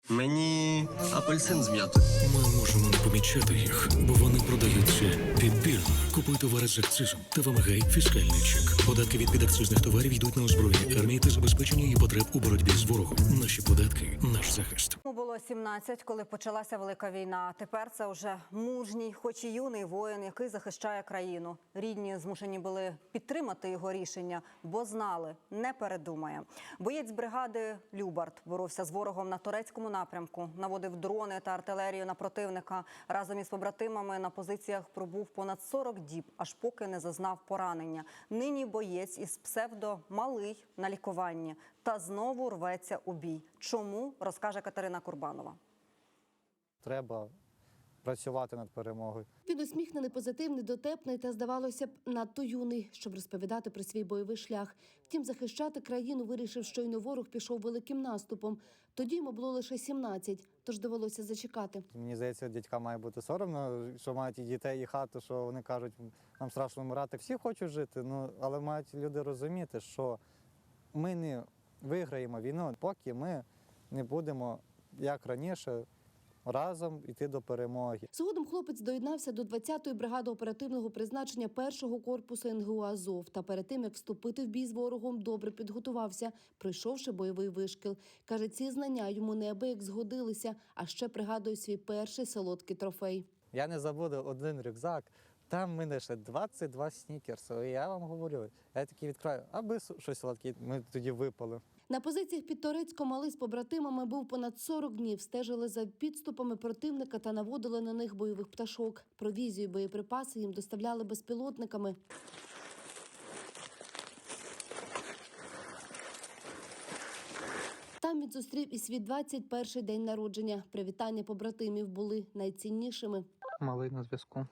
Мені апельсин з м'ятою. Ми можемо не помічати їх, бо вони продаються підбірно. Купуй товари з акцизом та вимагай фіскальний чек. Податки від підакцизних товарів йдуть на озброєння армії та забезпечення її потреб у боротьбі з ворогом. Наші податки – наш захист. Було 17, коли почалася Велика війна. Тепер це вже мужній, хоч і юний воїн, який захищає країну. Рідні змушені були підтримати його рішення, бо знали – не передумає. Боєць бригади Любарт боровся з ворогом на турецькому напрямку, наводив дрони та артилерію на противника. Разом із побратимами на позиціях пробув понад 40 діб, аж поки не зазнав поранення. Нині боєць із псевдо «Малий» на лікуванні та знову рветься у бій. Чому, розкаже Катерина Курбанова. Треба працювати над перемогою. Він усміхнений, позитивний, дотепний та, здавалося б, надто юний, щоб розповідати про свій бойовий шлях. Втім, захищати країну вирішив, щойно ворог пішов великим наступом. Тоді йому було лише 17, тож довелося зачекати. Мені здається, дядька має бути соромно, що мають і дітей, і хату, що вони кажуть, нам страшно вмирати. Всі хочуть жити, але мають люди розуміти, що ми не виграємо війну, поки ми не будемо, як раніше, разом йти до перемоги. Згодом хлопець доєднався до 20-ї бригади оперативного призначення 1-го корпусу НГУ «Азов». Та перед тим, як вступити в бій з ворогом, добре підготувався, пройшовши бойовий вишкіл. Каже, ці знання йому неабияк згодилися, а ще пригадує свій перший солодкий трофей. Я не забуду один рюкзак, там в мене ще 22 снікерси. І я вам говорю, я такий відкриваю, аби щось солодке, ми тоді випали. На позиціях під Торецьком Малий з побратимами був понад 40 днів. Стежили за підступами противника та наводили на них бойових пташок. Провізію і боєприпаси їм доставляли безпілотниками. Там він зустрів і свій 21-й день народження. Привітання побратимів були найціннішими. Малий на зв'язку.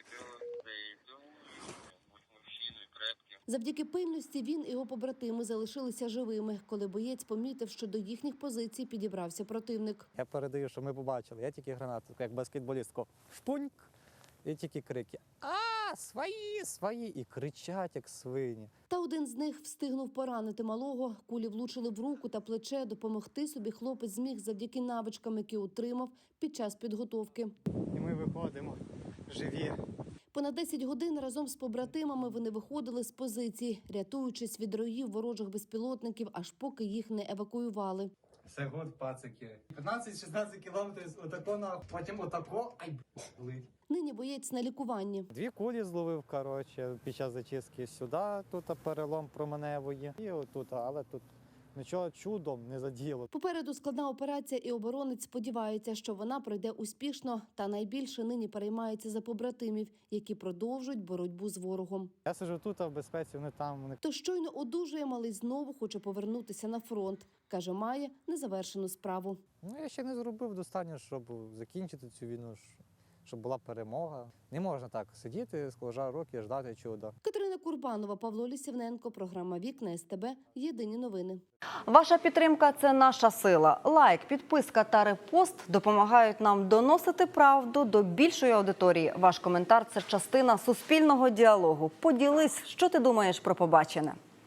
Завдяки пильності він і його побратими залишилися живими, коли боєць помітив, що до їхніх позицій підібрався противник. Я передаю, що ми побачили. Я тільки гранату, як баскетболістку. Шпуньк! І тільки крики. А, свої, свої! І кричать, як свині. Та один з них встигнув поранити малого. Кулі влучили в руку та плече. Допомогти собі хлопець зміг завдяки навичкам, які отримав під час підготовки. І ми виходимо живі. Понад 10 годин разом з побратимами вони виходили з позиції, рятуючись від роїв ворожих безпілотників, аж поки їх не евакуювали. Все год, пацики. 15-16 кілометрів отако, потім отако, ай, болить. Нині боєць на лікуванні. 2 кулі зловив, під час зачистки сюди, тут перелом променевої. І отут, але тут нічого чудом не заділо. Попереду складна операція, і оборонець сподівається, що вона пройде успішно. Та найбільше нині переймається за побратимів, які продовжують боротьбу з ворогом. Я сиджу тут, а в безпеці, вони там. То щойно одужує, Малий знову хоче повернутися на фронт. Каже, має незавершену справу. Я ще не зробив достатньо, щоб закінчити цю війну, щоб була перемога. Не можна так сидіти, склажа руки, і ждати чуда. Катерина Курбанова, Павло Лісівненко, програма «Вікна СТБ», єдині новини. Ваша підтримка – це наша сила. Лайк, підписка та репост допомагають нам доносити правду до більшої аудиторії. Ваш коментар – це частина суспільного діалогу. Поділись, що ти думаєш про побачене.